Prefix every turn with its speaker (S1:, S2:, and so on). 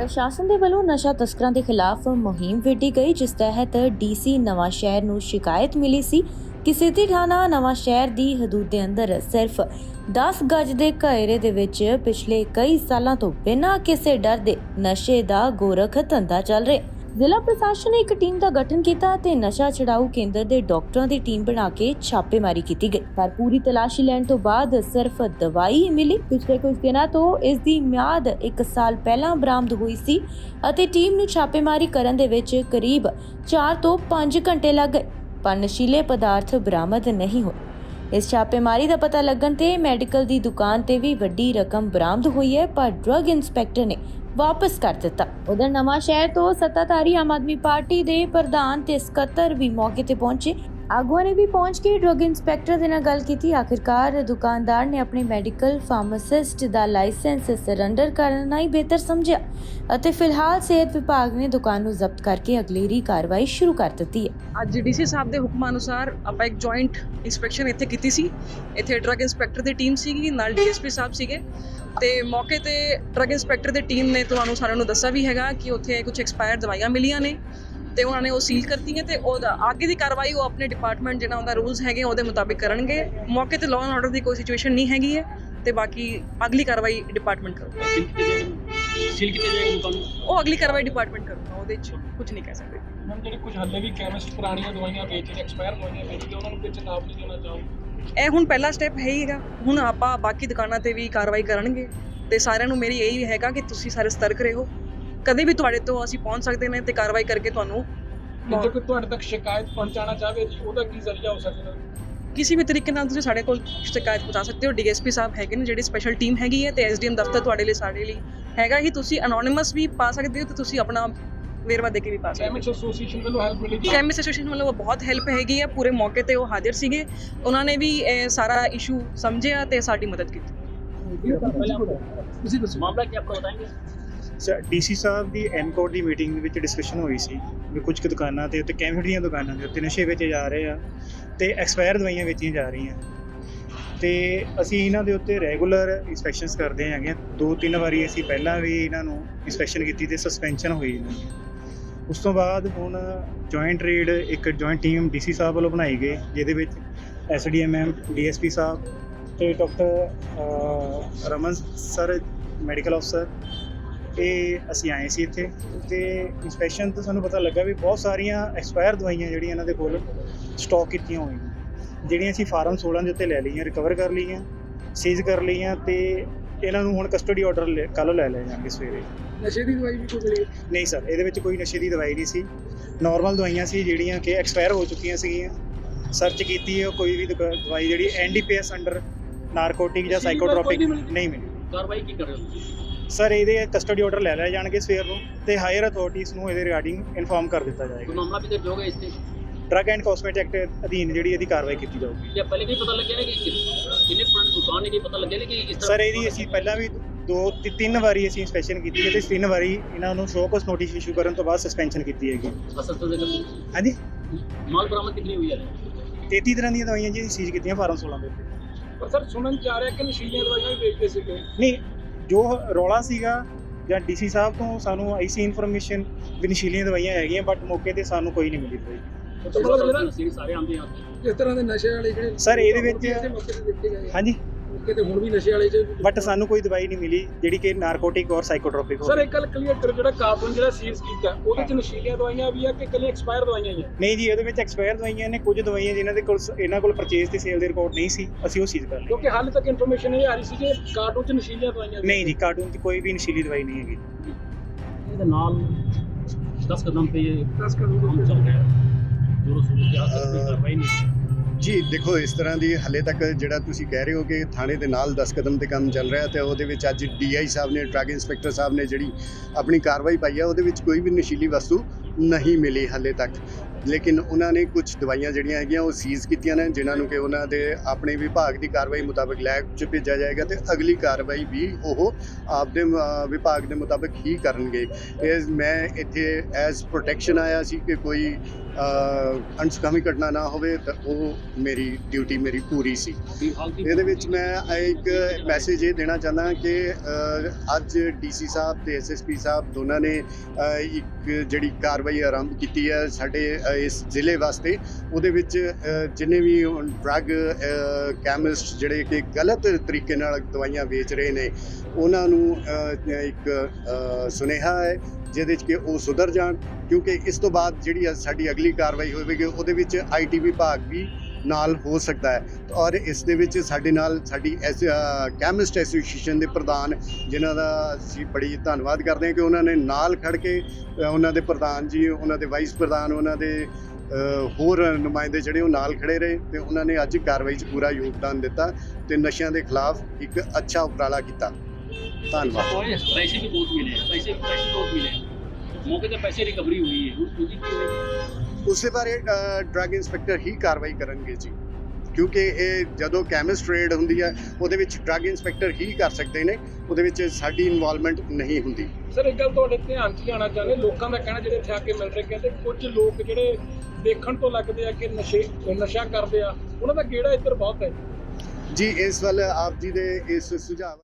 S1: ਪ੍ਰਸ਼ਾਸਨ ਦੇ ਵੱਲੋਂ ਨਸ਼ਾ ਤਸਕਰਾਂ ਦੇ ਖਿਲਾਫ ਮੁਹਿੰਮ ਵਿੱਢੀ ਗਈ, ਜਿਸ ਤਹਿਤ ਡੀਸੀ ਨਵਾਂ ਸ਼ਹਿਰ ਨੂੰ ਸ਼ਿਕਾਇਤ ਮਿਲੀ ਸੀ ਕਿ ਸਿਟੀ ਥਾਣਾ ਨਵਾਂ ਸ਼ਹਿਰ ਦੀ ਹਦੂਦ ਦੇ ਅੰਦਰ ਸਿਰਫ 10 ਗਜ ਦੇ ਘੇਰੇ ਦੇ ਵਿੱਚ ਪਿਛਲੇ ਕਈ ਸਾਲਾਂ ਤੋਂ ਬਿਨਾਂ ਕਿਸੇ ਡਰ ਦੇ ਨਸ਼ੇ ਦਾ ਗੋਰਖ ਧੰਦਾ ਚੱਲ ਰਿਹਾ। ਜ਼ਿਲ੍ਹਾ ਪ੍ਰਸ਼ਾਸਨ ਨੇ ਇੱਕ ਟੀਮ ਦਾ ਗਠਨ ਕੀਤਾ ਤੇ ਨਸ਼ਾ ਛਡਾਊ ਕੇਂਦਰ ਦੇ ਡਾਕਟਰਾਂ ਦੀ ਟੀਮ ਬਣਾ ਕੇ ਛਾਪੇਮਾਰੀ ਕੀਤੀ ਗਈ, ਪਰ ਪੂਰੀ ਤਲਾਸ਼ੀ ਲੈਣ ਤੋਂ ਬਾਅਦ ਸਿਰਫ ਦਵਾਈ ਹੀ ਮਿਲੀ। ਪਿਛਲੇ ਕੁਝ ਦਿਨਾਂ ਤੋਂ ਇਸ ਦੀ ਮਿਆਦ 1 ਸਾਲ ਪਹਿਲਾਂ ਬਰਾਮਦ ਹੋਈ ਸੀ ਅਤੇ ਟੀਮ ਨੂੰ ਛਾਪੇਮਾਰੀ ਕਰਨ ਦੇ ਵਿੱਚ ਕਰੀਬ 4 ਤੋਂ 5 ਘੰਟੇ ਲੱਗ ਗਏ, ਪਰ ਨਸ਼ੀਲੇ ਪਦਾਰਥ ਬਰਾਮਦ ਨਹੀਂ ਹੋਏ। ਇਸ ਛਾਪੇਮਾਰੀ ਦਾ ਪਤਾ ਲੱਗਣ ਤੇ ਮੈਡੀਕਲ ਦੀ ਦੁਕਾਨ ਤੇ ਵੀ ਵੱਡੀ ਰਕਮ ਬਰਾਮਦ ਹੋਈ ਹੈ, ਪਰ ਡਰੱਗ ਇੰਸਪੈਕਟਰ ਨੇ ਵਾਪਸ ਕਰ ਦਿੱਤਾ। ਉਧਰ ਨਵਾਂ ਸ਼ਹਿਰ ਤੋਂ ਸੱਤਾਧਾਰੀ ਆਮ ਆਦਮੀ ਪਾਰਟੀ ਦੇ ਪ੍ਰਧਾਨ ਤੇ ਸਕੱਤਰ ਵੀ ਮੌਕੇ ਤੇ ਪਹੁੰਚੇ। ਆਗੂਆਂ ਨੇ ਵੀ ਪਹੁੰਚ ਕੇ ਡਰੱਗ ਇੰਸਪੈਕਟਰ ਦੇ ਨਾਲ ਗੱਲ ਕੀਤੀ। ਆਖਿਰਕਾਰ ਦੁਕਾਨਦਾਰ ਨੇ ਆਪਣੇ ਮੈਡੀਕਲ ਫਾਰਮਾਸਿਸਟ ਦਾ ਲਾਇਸੈਂਸ ਸਰੈਂਡਰ ਕਰਨਾ ਹੀ ਬਿਹਤਰ ਸਮਝਿਆ ਅਤੇ ਫਿਲਹਾਲ ਸਿਹਤ ਵਿਭਾਗ ਨੇ ਦੁਕਾਨ ਨੂੰ ਜ਼ਬਤ ਕਰਕੇ ਅਗਲੇਰੀ ਕਾਰਵਾਈ ਸ਼ੁਰੂ ਕਰ ਦਿੱਤੀ ਹੈ।
S2: ਅੱਜ ਡੀਸੀ ਸਾਹਿਬ ਦੇ ਹੁਕਮ ਅਨੁਸਾਰ ਆਪਾਂ ਇੱਕ ਜੁਆਇੰਟ ਇਨਸਪੈਕਸ਼ਨ ਇੱਥੇ ਕੀਤੀ ਸੀ। ਇੱਥੇ ਡਰੱਗ ਇੰਸਪੈਕਟਰ ਦੀ ਟੀਮ ਸੀਗੀ, ਨਾਲ ਡੀਐਸਪੀ ਸਾਹਿਬ ਸੀਗੇ ਤੇ ਮੌਕੇ ਤੇ ਡਰੱਗ ਇੰਸਪੈਕਟਰ ਦੀ ਟੀਮ ਨੇ ਤੁਹਾਨੂੰ ਸਾਰਿਆਂ ਨੂੰ ਦੱਸਿਆ ਵੀ ਹੈਗਾ ਕਿ ਉੱਥੇ ਕੁਝ ਐਕਸਪਾਇਰ ਦਵਾਈਆਂ ਮਿਲੀਆਂ ਨੇ ਤੇ ਉਹਨਾਂ ਨੇ ਉਹ ਸੀਲ ਕਰਤੀਆਂ ਤੇ ਉਹਦਾ ਅੱਗੇ ਦੀ ਕਾਰਵਾਈ ਉਹ ਆਪਣੇ ਡਿਪਾਰਟਮੈਂਟ ਜਿਹੜਾ ਉਹਦਾ ਰੂਲਸ ਹੈਗੇ ਉਹਦੇ ਮੁਤਾਬਿਕ ਕਰਨਗੇ। ਮੌਕੇ ਤੇ ਲਾਅ ਐਂਡ ਆਰਡਰ ਦੀ ਕੋਈ ਸਿਚੁਏਸ਼ਨ ਨਹੀਂ ਹੈਗੀ ਹੈ ਤੇ ਬਾਕੀ ਅਗਲੀ ਕਾਰਵਾਈ ਡਿਪਾਰਟਮੈਂਟ ਕਰੂਗਾ।
S3: ਸੀਲ ਕਿਤੇ ਜਾਏਗੀ ਦੁਕਾਨ
S2: ਉਹ ਅਗਲੀ ਕਾਰਵਾਈ ਡਿਪਾਰਟਮੈਂਟ ਕਰੂਗਾ, ਉਹਦੇ 'ਚ ਕੁਝ ਨਹੀਂ ਕਹਿ ਸਕਦੇ।
S3: ਮੈਮ ਜਿਹੜੇ ਕੁਝ ਹੱਲੇ ਵੀ ਕੈਮਿਸਟ ਪੁਰਾਣੀਆਂ ਦਵਾਈਆਂ ਵੇਚਦੇ, ਐਕਸਪਾਇਰ ਦਵਾਈਆਂ ਵੇਚਦੇ, ਉਹਨਾਂ ਨੂੰ ਕੋਈ ਚੇਤਾਵਨੀ ਨਹੀਂ ਦੇਣਾ ਚਾਹੋ।
S2: ਇਹ ਹੁਣ ਪਹਿਲਾ ਸਟੈਪ ਹੈ ਹੀ ਹੈਗਾ। ਹੁਣ ਆਪਾਂ ਬਾਕੀ ਦੁਕਾਨਾਂ ਤੇ ਵੀ ਕਾਰਵਾਈ ਕਰਨਗੇ ਤੇ ਸਾਰਿਆਂ ਨੂੰ ਮੇਰੀ ਇਹੀ ਹੈਗਾ ਕਿ ਤੁਸੀਂ ਸਾਰੇ ਸਤਰਕ ਰਹੋ। ਕਦੇ ਵੀ ਤੁਹਾਡੇ ਤੋਂ ਅਸੀਂ ਪਹੁੰਚ ਸਕਦੇ ਨੇ ਤੇ ਕਾਰਵਾਈ ਕਰਕੇ ਤੁਹਾਨੂੰ
S3: ਜੇ ਕੋਈ ਤੁਹਾਡੇ ਤੱਕ ਸ਼ਿਕਾਇਤ ਪਹੁੰਚਾਉਣਾ ਚਾਹਵੇ ਜੀ ਉਹਦਾ ਕੀ ਜ਼ਰੀਆ ਹੋ ਸਕਦਾ?
S2: ਕਿਸੇ ਵੀ ਤਰੀਕੇ ਨਾਲ ਤੁਸੀਂ ਸਾਡੇ ਕੋਲ ਸ਼ਿਕਾਇਤ ਪਹੁੰਚਾ ਸਕਦੇ ਹੋ। ਡੀਐਸਪੀ ਸਾਹਿਬ ਹੈਗੇ ਨੇ, ਜਿਹੜੀ ਸਪੈਸ਼ਲ ਟੀਮ ਹੈਗੀ ਹੈ ਤੇ ਐਸਡੀਐਮ ਦਫ਼ਤਰ ਤੁਹਾਡੇ ਲਈ ਸਾਡੇ ਲਈ ਹੈਗਾ ਹੀ। ਤੁਸੀਂ ਅਨੋਨਿਮਸ ਵੀ ਪਾ ਸਕਦੇ ਹੋ ਤੇ ਤੁਸੀਂ ਆਪਣਾ ਵੇਰਵਾ ਦੇ ਕੇ ਵੀ ਪਾ ਸਕਦੇ ਹੋ।
S3: ਕੈਮਿਸਟ ਐਸੋਸੀਏਸ਼ਨ ਵੱਲੋਂ ਹੈਲਪ ਮਿਲੇਗੀ?
S2: ਕੈਮਿਸਟ ਐਸੋਸੀਏਸ਼ਨ ਵੱਲੋਂ ਬਹੁਤ ਹੈਲਪ ਹੈਗੀ ਹੈ। ਪੂਰੇ ਮੌਕੇ ਤੇ ਉਹ ਹਾਜ਼ਰ ਸੀਗੇ, ਉਹਨਾਂ ਨੇ ਵੀ ਇਹ ਸਾਰਾ ਇਸ਼ੂ ਸਮਝਿਆ ਤੇ ਸਾਡੀ ਮਦਦ ਕੀਤੀ।
S3: ਤੁਸੀਂ ਦੱਸੋ ਮਾਮਲਾ ਕੀ ਆਪਕੋ ਬਤਾਏਂਗੇ?
S4: ਸਰ ਡੀਸੀ ਸਾਹਿਬ ਦੀ ਐਨਕੋਰ ਦੀ ਮੀਟਿੰਗ ਵਿੱਚ ਡਿਸਕਸ਼ਨ ਹੋਈ ਸੀ ਵੀ ਕੁਝ ਕੁ ਦੁਕਾਨਾਂ ਤੇ ਉੱਤੇ ਕੈਮਿਸਟ ਦੀਆਂ ਦੁਕਾਨਾਂ ਦੇ ਉੱਤੇ ਨਸ਼ੇ ਵੇਚੇ ਜਾ ਰਹੇ ਆ ਤੇ ਐਕਸਪਾਇਰ ਦਵਾਈਆਂ ਵੇਚੀਆਂ ਜਾ ਰਹੀਆਂ ਤੇ ਅਸੀਂ ਇਹਨਾਂ ਦੇ ਉੱਤੇ ਰੈਗੂਲਰ ਇੰਸਪੈਕਸ਼ਨਸ ਕਰਦੇ ਹੈਗੇ ਆ। 2-3 ਵਾਰੀ ਅਸੀਂ ਪਹਿਲਾਂ ਵੀ ਇਹਨਾਂ ਨੂੰ ਇੰਸਪੈਕਸ਼ਨ ਕੀਤੀ ਤੇ ਸਸਪੈਂਸ਼ਨ ਹੋਈ ਇਹਨਾਂ ਦੀ। ਉਸ ਤੋਂ ਬਾਅਦ ਹੁਣ ਜੁਆਇੰਟ ਰੇਡ ਇੱਕ ਜੁਆਇੰਟ ਟੀਮ ਡੀਸੀ ਸਾਹਿਬ ਵੱਲੋਂ ਬਣਾਈ ਗਈ, ਜਿਹਦੇ ਵਿੱਚ ਐਸਡੀਐਮ, ਡੀਐਸਪੀ ਸਾਹਿਬ ਤੇ ਡਾਕਟਰ ਰਮਨ ਸਰ ਮੈਡੀਕਲ ਅਫਸਰ ਇਹ ਅਸੀਂ ਆਏ ਸੀ ਇੱਥੇ ਤੇ ਇੰਸਪੈਕਸ਼ਨ ਤੋਂ ਸਾਨੂੰ ਪਤਾ ਲੱਗਾ ਵੀ ਬਹੁਤ ਸਾਰੀਆਂ ਐਕਸਪਾਇਰ ਦਵਾਈਆਂ ਜਿਹੜੀਆਂ ਇਹਨਾਂ ਦੇ ਕੋਲ ਸਟਾਕ ਕੀਤੀਆਂ ਹੋਈਆਂ, ਜਿਹੜੀਆਂ ਅਸੀਂ ਫਾਰਮ 16 ਦੇ ਉੱਤੇ ਲੈ ਲਈਆਂ, ਰਿਕਵਰ ਕਰ ਲਈਆਂ, ਸੀਜ਼ ਕਰ ਲਈਆਂ ਤੇ ਇਹਨਾਂ ਨੂੰ ਹੁਣ ਕਸਟਡੀ ਆਰਡਰ ਕੱਲ੍ਹ ਲੈ ਜਾਣਗੇ ਸਵੇਰੇ।
S3: ਨਸ਼ੇ ਦੀ ਦਵਾਈ ਵੀ ਕੋਈ ਮਿਲੀ?
S4: ਨਹੀਂ ਸਰ, ਇਹਦੇ ਵਿੱਚ ਕੋਈ ਨਸ਼ੇ ਦੀ ਦਵਾਈ ਨਹੀਂ ਸੀ, ਨਾਰਮਲ ਦਵਾਈਆਂ ਸੀ ਜਿਹੜੀਆਂ ਕਿ ਐਕਸਪਾਇਰ ਹੋ ਚੁੱਕੀਆਂ ਸੀਗੀਆਂ। ਸਰਚ ਕੀਤੀ ਹੈ, ਕੋਈ ਵੀ ਦਵਾਈ ਜਿਹੜੀ ਐਨਡੀਪੀਐਸ ਅੰਡਰ ਨਾਰਕੋਟਿਕ ਜਾਂ ਸਾਈਕੋਟ੍ਰੋਪਿਕ ਨਹੀਂ ਮਿਲੀ।
S3: ਕਾਰਵਾਈ ਕੀ ਕਰ ਰਹੇ ਹੋ
S4: ਸਰ? ਇਹਦੇ ਕਸਟਡੀ ਆਰਡਰ ਲੈ ਲਿਆ ਜਾਣਗੇ ਸਵੇਰ ਨੂੰ ਤੇ ਹਾਇਰ ਅਥਾਰਟੀਜ਼ ਨੂੰ ਇਹਦੇ ਰਿਗਾਰਡਿੰਗ ਇਨਫੋਰਮ ਕਰ ਦਿੱਤਾ ਜਾਏਗਾ।
S3: ਮਾਮਲਾ ਵੀ ਦਰਜ ਹੋਗਾ ਇਸ ਤੇ?
S4: ਡਰੱਗ ਐਂਡ ਕਾਸਮੈਟਿਕ ਐਕਟ ਅਧੀਨ ਜਿਹੜੀ ਇਹਦੀ ਕਾਰਵਾਈ ਕੀਤੀ ਜਾਊਗੀ।
S3: ਜਾਂ ਪਹਿਲੇ ਵੀ ਪਤਾ ਲੱਗਿਆ ਨਾ ਕਿ ਕਿੰਨੇ ਪੁਰਾਣੀ ਦੁਕਾਨ ਨੇ, ਕੀ ਪਤਾ ਲੱਗਿਆ ਨਾ ਕਿ ਇਸ ਤਰ੍ਹਾਂ?
S4: ਸਰ ਇਹਦੀ ਅਸੀਂ ਪਹਿਲਾਂ ਵੀ 2-3 ਵਾਰੀ ਅਸੀਂ ਇੰਸਪੈਕਸ਼ਨ ਕੀਤੀ ਹੈ ਤੇ 3 ਵਾਰੀ ਇਹਨਾਂ ਨੂੰ ਸ਼ੋਕਸ ਨੋਟਿਸ ਇਸ਼ੂ ਕਰਨ ਤੋਂ ਬਾਅਦ ਸਸਪੈਂਸ਼ਨ ਕੀਤੀ ਹੈਗੀ।
S3: ਅਸਲ ਤੋਂ
S4: ਹਾਂਜੀ,
S3: ਮਾਲ ਬਰਾਮਦ ਕਿੰਨੀ ਹੋਈ ਹੈ?
S4: 33 ਤਰ੍ਹਾਂ ਦੀਆਂ ਦਵਾਈਆਂ ਜੀ ਸੀਜ਼ ਕੀਤੀਆਂ ਫਾਰਮ 16 ਦੇ ਉੱਤੇ।
S3: ਪਰ ਸਰ ਸੁਣਨ ਚ ਆ ਰਿਹਾ ਕਿ ਨਸ਼ੀਲੀਆਂ ਦਵਾਈਆਂ ਵੀ ਵੇਚਦੇ ਸੀਗੇ।
S4: ਨਹੀਂ, ਜੋ ਰੌਲਾ ਸੀਗਾ ਜਾਂ ਡੀਸੀ ਸਾਹਿਬ ਤੋਂ ਸਾਨੂੰ ਆਈ ਸੀ ਇਨਫੋਰਮੇਸ਼ਨ ਵੀ ਨਸ਼ੀਲੀਆਂ ਦਵਾਈਆਂ ਹੈਗੀਆਂ, ਬਟ ਮੌਕੇ ਤੇ ਸਾਨੂੰ ਕੋਈ ਨਹੀਂ ਮਿਲੀ ਦਵਾਈ।
S3: ਸਾਰੇ ਆਉਂਦੇ ਆ ਇਸ ਤਰ੍ਹਾਂ ਦੇ ਨਸ਼ੇ ਵਾਲੇ ਜਿਹੜੇ
S4: ਸਰ ਇਹਦੇ ਵਿੱਚ
S3: ਮੌਕੇ ਤੇ ਦੇਖੇ ਗਏ
S4: ਹਾਂਜੀ,
S3: ਮੌਕੇ ਤੇ ਹੁਣ ਵੀ ਨਸ਼ੇ ਵਾਲੇ
S4: ਬਟ ਸਾਨੂੰ ਕੋਈ ਦਵਾਈ ਨਹੀਂ ਮਿਲੀ ਜਿਹੜੀ ਕਿ ਨਾਰਕੋਟਿਕ ਔਰ ਸਾਈਕੋਟ੍ਰੋਪਿਕ ਹੋਵੇ।
S3: ਸਰ ਇੱਕ ਗੱਲ ਕਲੀਅਰ ਕਰੋ, ਜਿਹੜਾ ਕਾਰਟੂਨ ਜਿਹੜਾ ਸੀਜ਼ ਕੀਤਾ ਉਹਦੇ ਚ ਨਸ਼ੀਲੀਆਂ ਦਵਾਈਆਂ ਵੀ ਆ ਕਿ ਇਕੱਲੇ ਐਕਸਪਾਇਰ ਦਵਾਈਆਂ ਹੀ ਆ?
S4: ਨਹੀਂ ਜੀ, ਉਹਦੇ ਵਿੱਚ ਐਕਸਪਾਇਰ ਦਵਾਈਆਂ ਨੇ। ਕੁਝ ਦਵਾਈਆਂ ਜਿਨ੍ਹਾਂ ਦੇ ਕੋਲ ਇਹਨਾਂ ਕੋਲ ਪਰਚੇਜ਼ ਤੇ ਸੇਲ ਦੇ ਰਿਕਾਰਡ ਨਹੀਂ ਸੀ, ਅਸੀਂ ਉਹ ਸੀਜ਼ ਕਰ ਲਈ।
S3: ਕਿਉਂਕਿ ਹਾਲੇ ਤੱਕ ਇਨਫੋਰਮੇਸ਼ਨ ਇਹ ਆ ਰਹੀ ਸੀ ਕਿ ਕਾਰਟੂਨ ਚ ਨਸ਼ੀਲੀਆਂ ਦਵਾਈਆਂ
S4: ਨਹੀਂ ਜੀ, ਕਾਰਟੂਨ 'ਚ ਕੋਈ ਵੀ ਨਸ਼ੀਲੀ ਦਵਾਈ ਨਹੀਂ ਹੈਗੀ।
S3: ਇਹਦੇ ਨਾਲ 10 ਕਦਮ ਤੇ 10 ਕਦਮ ਚੱਲ ਰਿਹਾ ਜੋ ਕਾਰਵਾਈ ਨਹੀਂ
S5: ਜੀ। ਦੇਖੋ, ਇਸ ਤਰ੍ਹਾਂ ਦੀ ਹਾਲੇ ਤੱਕ ਜਿਹੜਾ ਤੁਸੀਂ ਕਹਿ ਰਹੇ ਹੋ ਕਿ ਥਾਣੇ ਦੇ ਨਾਲ 10 ਕਦਮ ਤੇ ਕੰਮ ਚੱਲ ਰਿਹਾ ਤੇ ਉਹਦੇ ਵਿੱਚ ਅੱਜ ਡੀਆਈ ਸਾਹਿਬ ਨੇ, ਡਰੱਗ ਇੰਸਪੈਕਟਰ ਸਾਹਿਬ ਨੇ ਜਿਹੜੀ ਆਪਣੀ ਕਾਰਵਾਈ ਪਾਈ ਹੈ ਉਹਦੇ ਵਿੱਚ ਕੋਈ ਵੀ ਨਸ਼ੀਲੀ ਵਸਤੂ ਨਹੀਂ ਮਿਲੀ ਹਾਲੇ ਤੱਕ। ਲੇਕਿਨ ਉਹਨਾਂ ਨੇ ਕੁਝ ਦਵਾਈਆਂ ਜਿਹੜੀਆਂ ਹੈਗੀਆਂ ਉਹ ਸੀਜ਼ ਕੀਤੀਆਂ ਨੇ, ਜਿਨ੍ਹਾਂ ਨੂੰ ਕਿ ਉਹਨਾਂ ਦੇ ਆਪਣੇ ਵਿਭਾਗ ਦੀ ਕਾਰਵਾਈ ਮੁਤਾਬਕ ਲੈਬ 'ਚ ਭੇਜਿਆ ਜਾਏਗਾ ਤੇ ਅਗਲੀ ਕਾਰਵਾਈ ਵੀ ਉਹ ਆਪਦੇ ਵਿਭਾਗ ਦੇ ਮੁਤਾਬਕ ਹੀ ਕਰਨਗੇ। ਇਹ ਮੈਂ ਇੱਥੇ ਐਜ਼ ਪ੍ਰੋਟੈਕਸ਼ਨ ਆਇਆ ਸੀ ਕਿ ਕੋਈ ਅਣਸੁਖਾਵੀ ਘਟਨਾ ਨਾ ਹੋਵੇ, ਤਾਂ ਉਹ ਮੇਰੀ ਡਿਊਟੀ ਮੇਰੀ ਪੂਰੀ ਸੀ। ਇਹਦੇ ਵਿੱਚ ਮੈਂ ਇੱਕ ਮੈਸੇਜ ਇਹ ਦੇਣਾ ਚਾਹੁੰਦਾ ਕਿ ਅੱਜ ਡੀਸੀ ਸਾਹਿਬ ਤੇ ਐਸਐਸਪੀ ਸਾਹਿਬ ਦੋਨਾਂ ਨੇ ਇੱਕ ਜਿਹੜੀ ਕਾਰਵਾਈ ਆਰੰਭ ਕੀਤੀ ਹੈ ਸਾਡੇ ਇਸ ਜ਼ਿਲ੍ਹੇ ਵਾਸਤੇ, ਉਹਦੇ ਵਿੱਚ ਜਿੰਨੇ ਵੀ ਡਰੱਗ ਕੈਮਿਸਟ ਜਿਹੜੇ ਕਿ ਗਲਤ ਤਰੀਕੇ ਨਾਲ ਦਵਾਈਆਂ ਵੇਚ ਰਹੇ ਨੇ, ਉਹਨਾਂ ਨੂੰ ਇੱਕ ਸੁਨੇਹਾ ਹੈ ਜਿਹਦੇ 'ਚ ਕਿ ਉਹ ਸੁਧਰ ਜਾਣ, ਕਿਉਂਕਿ ਇਸ ਤੋਂ ਬਾਅਦ ਜਿਹੜੀ ਸਾਡੀ ਅਗਲੀ ਕਾਰਵਾਈ ਹੋਵੇਗੀ ਉਹਦੇ ਵਿੱਚ ਆਈਟੀ ਵਿਭਾਗ ਵੀ ਨਾਲ ਹੋ ਸਕਦਾ ਹੈ। ਔਰ ਇਸ ਦੇ ਵਿੱਚ ਸਾਡੇ ਨਾਲ ਸਾਡੀ ਕੈਮਿਸਟ ਐਸੋਸੀਏਸ਼ਨ ਦੇ ਪ੍ਰਧਾਨ, ਜਿਨ੍ਹਾਂ ਦਾ ਅਸੀਂ ਬੜੀ ਧੰਨਵਾਦ ਕਰਦੇ ਹਾਂ ਕਿ ਉਹਨਾਂ ਨੇ ਨਾਲ ਖੜ ਕੇ ਉਹਨਾਂ ਦੇ ਪ੍ਰਧਾਨ ਜੀ, ਉਹਨਾਂ ਦੇ ਵਾਈਸ ਪ੍ਰਧਾਨ, ਉਹਨਾਂ ਦੇ ਹੋਰ ਨੁਮਾਇੰਦੇ ਜਿਹੜੇ ਉਹ ਨਾਲ ਖੜੇ ਰਹੇ ਤੇ ਉਹਨਾਂ ਨੇ ਅੱਜ ਕਾਰਵਾਈ 'ਚ ਪੂਰਾ ਯੋਗਦਾਨ ਦਿੱਤਾ ਤੇ ਨਸ਼ਿਆਂ ਦੇ ਖਿਲਾਫ ਇੱਕ ਅੱਛਾ ਉਪਰਾਲਾ ਕੀਤਾ। ਧੰਨਵਾਦ।
S3: पैसे भी बहुत मिले, पैसे बहुत मिले, मौके पे पैसे रिकवरी हुई है, उसकी की होगी?
S5: ਉਸੇ ਬਾਰੇ ਡਰੱਗ ਇੰਸਪੈਕਟਰ ਹੀ ਕਾਰਵਾਈ ਕਰਨਗੇ ਜੀ, ਕਿਉਂਕਿ ਇਹ ਜਦੋਂ ਕੈਮਿਸਟ ਰੇਡ ਹੁੰਦੀ ਹੈ ਉਹਦੇ ਵਿੱਚ ਡਰੱਗ ਇੰਸਪੈਕਟਰ ਹੀ ਕਰ ਸਕਦੇ ਨੇ, ਉਹਦੇ ਵਿੱਚ ਸਾਡੀ ਇਨਵੋਲਵਮੈਂਟ ਨਹੀਂ ਹੁੰਦੀ।
S6: ਸਰ ਇੱਕ ਗੱਲ ਤੁਹਾਡੇ ਧਿਆਨ 'ਚ ਲਿਆਉਣਾ ਚਾਹੁੰਦੇ, ਲੋਕਾਂ ਦਾ ਕਹਿਣਾ ਜਿਹੜੇ ਇੱਥੇ ਆ ਕੇ ਮਿਲ ਰਹੇ, ਕਹਿੰਦੇ ਕੁਝ ਲੋਕ ਜਿਹੜੇ ਦੇਖਣ ਤੋਂ ਲੱਗਦੇ ਆ ਕਿ ਨਸ਼ਾ ਕਰਦੇ ਆ, ਉਹਨਾਂ ਦਾ ਗੇੜਾ ਇੱਧਰ ਬਹੁਤ ਹੈ
S5: ਜੀ ਇਸ ਵੱਲ ਆਪ ਜੀ ਦੇ ਇਸ ਸੁਝਾਅ